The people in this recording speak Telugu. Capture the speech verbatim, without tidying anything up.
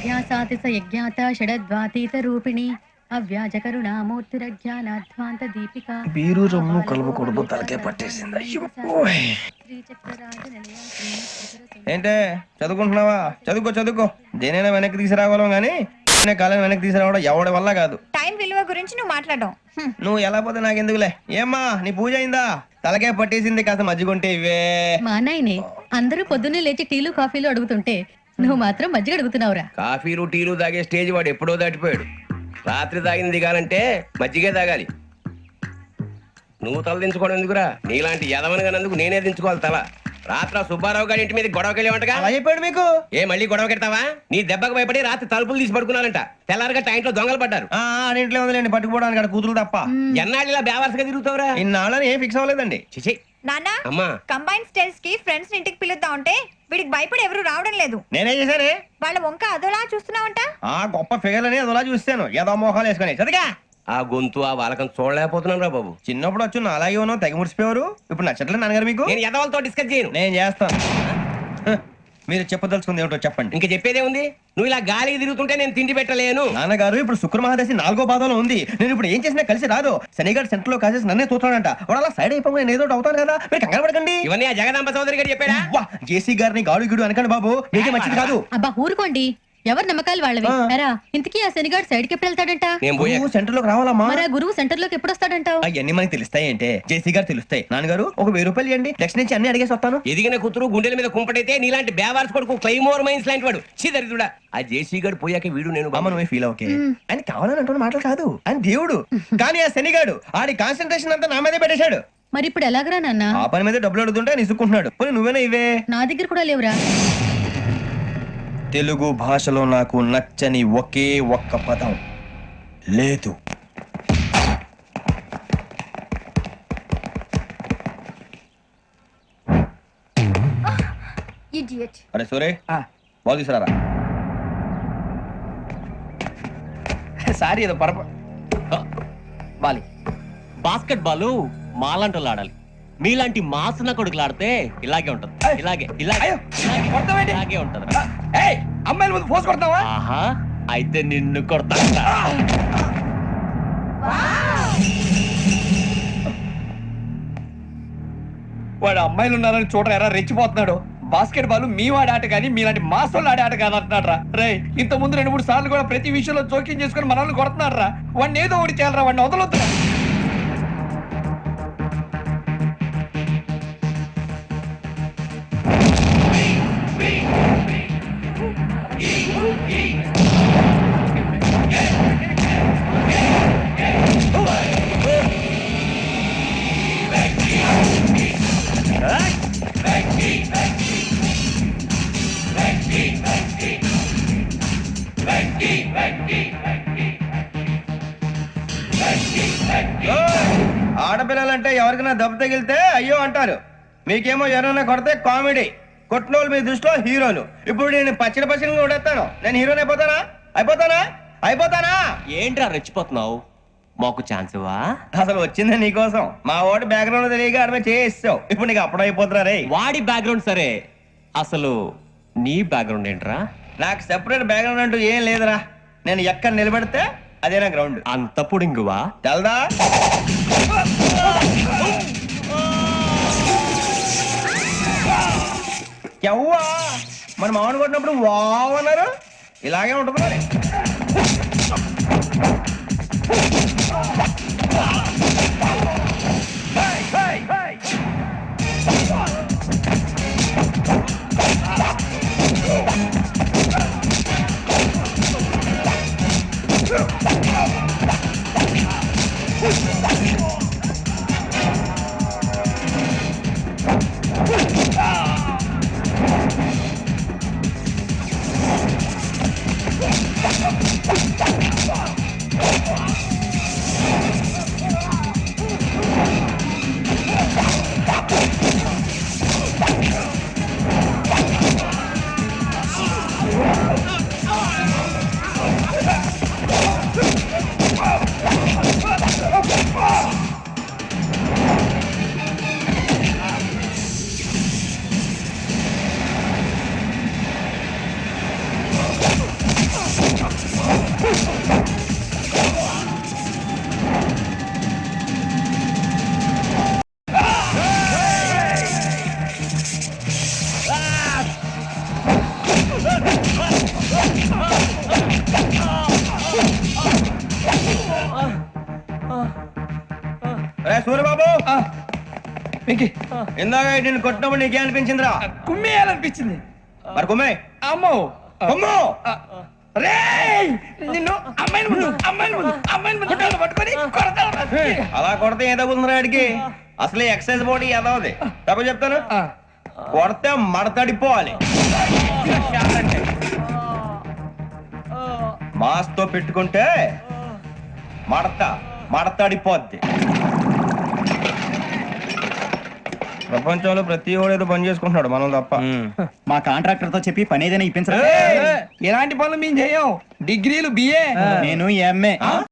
అజ్ఞాసాతి స యజ్ఞాత షడద్వాతీత రూపిణి అవ్యాజ కరుణామూర్తిరజ్ఞానాధ్వాంత దీపిక బీరు రమ్ము కలుపుకూడదు తలకే పట్టేసింది. అయ్యో ఓయ్. ఏంటే చదువుకుంటున్నావా? చదువుకో చదువుకో. దేనైనా వెనక్కి తీసుకురావాలం గానీ కాలం వెనక్కి తీసుకురావడం ఎవడి వల్ల కాదు. టైం విలువ గురించి నువ్వు మాట్లాడడం నువ్వు ఎలా పోతే నాకెందుకులే. ఏమ్మా నీ పూజ అయిందా? తలకే పట్టేసింది, కాస్త మజ్జిగుంటే ఇవే. మా నాయనే అందరూ పొద్దున్నే లేచి టీలు కాఫీలు అడుగుతుంటే నువ్వు మాత్రం మజ్జిగ అడుగుతున్నావురా. కాఫీలు టీలు తాగే స్టేజ్ వాడు ఎప్పుడో దాటిపోయాడు. రాత్రి తాగింది దిగాలంటే మజ్జిగే తాగాలి. నువ్వు తల దించుకోవడం ఎందుకురా? నీలాంటి యదవనగానందుకు నేనే దించుకోవాలి తల. రాత్రి సుబ్బారావు గారి ఇంటి మీద గొడవకి వెళ్ళేవంటగా. అలా చెప్పాడు మీకు? ఏ మళ్ళీ గొడవ కెడతావా? నీ దెబ్బకు భయపడి రాత్రి తలుపులు తీసి పడుకున్నారంట. తెల్లారగా టైంట్లో దొంగలు పడ్డారు. ఇంట్లో ఉందిలేండి పట్టుకుపోవడానికి, అక్కడ కూతురు తప్ప. ఎన్నాళ్ళు ఇలా బేవర్స్గా తిరుగుతావురా? ఇన్నాళ్ళని ఏం ఫిక్స్ అవ్వలేదండి. చిచి నాన్న అమ్మా, కంబైన్ స్టైల్స్ కి ఫ్రెండ్స్ ఇంటికి పిలుద్దాం అంటే వీడికి భయపడి ఎవరు రావడం లేదు. నేనేం చేశానే? వాళ్ళ వంక అదోలా చూస్తున్నావంట. ఆ గొప్ప ఫిగర్ అని అదోలా చూస్తాను, ఏదో మోహాలు వేసుకొని. చదిగా ఆ గొంతు ఆ వాలకం చూడలేకపోతున్నాను రా బాబు. చిన్నప్పుడు వచ్చి నా అలాగే ఉన్నావు, తెగ ముడిచిపోయారు. ఇప్పుడు నచ్చట్లేదు నాన్నగారు మీకు? నేను యదవలతో డిస్కస్ చేయను. నేను చేస్తాను. హ, మీరు చెప్పదలుచుకుంది ఏమిటో చెప్పండి. ఇంకా చెప్పేదే ఉంది. నువ్వు ఇలా గాలికి తిరుగుతుంటే నేను తిండి పెట్టలేను. నాన్నగారు ఇప్పుడు శుక్ర మహాదశి నాలుగో పాదంలో ఉంది. నేను ఇప్పుడు ఏం చేసినా కలిసి రాదు. శనిగారు సెంటర్ లో కాసేసి నన్నే చూస్తాడంట. వాడు అలా సైడ్ అయిపోయి నేను ఏదో ఒకటి అవుతాను కదా, మీరు కంగారు పడకండి. ఇవన్నీ ఆ జగదాంబ చౌదరి గారు చెప్పాడా? వా, జేసీ గారిని గాడు గిడు అనకండి బాబు, మీకే మంచిది కాదు. అబ్బా ఊరుకోండి, ఎవరు నమ్మకాలు వాళ్ళవి. ఎరా ఇంతకీ ఆ శనిగాడు సైడ్ కి ఎప్పుడు వెళ్తాడంట? నేను పోయా. నువ్వు సెంటర్ లోకి రావాలమ్మా. మరి ఆ గురువు సెంటర్ లోకి ఎప్పుడు వస్తాడంటావు? అవన్నీ మనకి తెలుస్తాయి అంటే జేసీ గారు తెలుస్తాయి. నాన్నగారు ఒక వెయ్యి రూపాయలు ఇవ్వండి, నెక్స్ట్ నుంచి అన్ని అడిగేసి వస్తాను. ఎదిగిన కూతురు గుండెల మీద కుంపటైతే నీలాంటి బేవార్స్ కొడుకు క్లైమోర్ మైన్స్ లాంటి వాడు చీదరిదుడా. ఆ జేసీ గారు పోయాక వీడు నేను బామ్మ నువ్వే ఫీల్ ఓకే. ఆయన కావాలని అంటున్న మాటలు కాదు, ఆయన దేవుడు. కానీ ఆ శనిగాడు ఆడి కాన్సన్ట్రేషన్ అంతా నా మీదే పెట్టేశాడు. మరి ఇప్పుడు ఎలాగరా నాన్న? ఆ పని మీద డబ్బులు అడుగుతుంటే నిసుకుంటున్నాడు. పోనీ నువ్వేనా ఇవే? నా దగ్గర కూడా లేవురా. తెలుగు భాషలో నాకు నచ్చని ఒకే ఒక్క పదం లేదు. అరే సూరే, బాల్ తీసుకురారా. సారీ ఏదో పరప బాలి. బాస్కెట్ బాల్ మాలాంటి వాళ్ళు ఆడాలి. మీలాంటి మాసన కొడుకులు ఆడితే ఇలాగే ఉంటది. ఇలాగే ఇలాగే ఇలాగే ఉంటది. అమ్మాయిల ముందు ఫోర్స్ కొడతావా? ఆహా, అయితే నిన్ను కొడతా. వాడు అమ్మాయిలు ఉన్నారని చూడరా ఎరా రెచ్చిపోతున్నాడు. బాస్కెట్ బాల్ మీ వాడి ఆట కానీ మీలాంటి మాసోళ్ళు ఆడే ఆట కాదు అంటున్నాడు రా. రే ఇంత ముందు రెండు మూడు సార్లు కూడా ప్రతి విషయంలో జోక్యం చేసుకుని మనల్ని కొడుతున్నాడు రా. వాడిని ఏదో ఒకటి చేయాలరా, వాడిని వదలొద్దురా. ఆడపిల్లలంటే ఎవరికైనా దెబ్బ తగిలితే అయ్యో అంటారు, మీకేమో ఎవరైనా కొడితే కామెడీ. కొట్టినోళ్ళు మీ దృష్టిలో హీరోలు. ఇప్పుడు నేను పచ్చడి పచ్చడి కొడేస్తాను, నేను హీరోని అయిపోతానా? అయిపోతానా? అయిపోతానా? ఏంట్రా రెచ్చిపోతున్నావు? మాకు ఛాన్స్ ఇవ్వా? అసలు వచ్చిందే నీకోసం. మా వాడి బ్యాక్గ్రౌండ్ తెలియక అడమే చేయిస్తావు. ఇప్పుడు నీకు అప్పుడు అయిపోతున్నా రే. వాడి బ్యాక్గ్రౌండ్ సరే, అసలు నీ బ్యాక్గ్రౌండ్ ఏంట్రా? నాకు సెపరేట్ బ్యాక్గ్రౌండ్ అంటూ ఏం లేదురా. నేను ఎక్కడ నిలబెడితే అదే నా గ్రౌండ్. అంత పుడింగువా? తెల్దా? ఎవ్వా మన మామిడి కొట్టినప్పుడు వావ్ అన్నారు, ఇలాగే ఉంటుంది మరి. వెంకీ ఇందాక నేను కొట్టినప్పుడు నీకే అనిపించిందిరా కుమ్మేయాలనిపించింది. మరి కుమ్మే అమ్మో కుమ్ము రేయ్ నిన్ను అమ్మాయిని ముందు అమ్మాయిని ముందు అమ్మాయిని ముందు కాళ్ళు పట్టుకొని కొడతాను రా. అలా కొడితే ఏ తగ్గుతుందిరా ఆడికి అసలు ఎక్సైజ్ బాడీ ఏదవది తప్ప చెప్తాను ఆ, కొడితే మడతడిపోవాలి మాస్ తో పెట్టుకుంటే మడత మడతడిపోద్ది ప్రపంచంలో ప్రతి వాడు ఏదో పని చేసుకుంటున్నాడు మనం తప్ప మా కాంట్రాక్టర్ తో చెప్పి పని ఏదైనా ఇప్పించరా? ఎలాంటి పనులు మేము చేయం. డిగ్రీలు బిఏ నేను ఎంఏ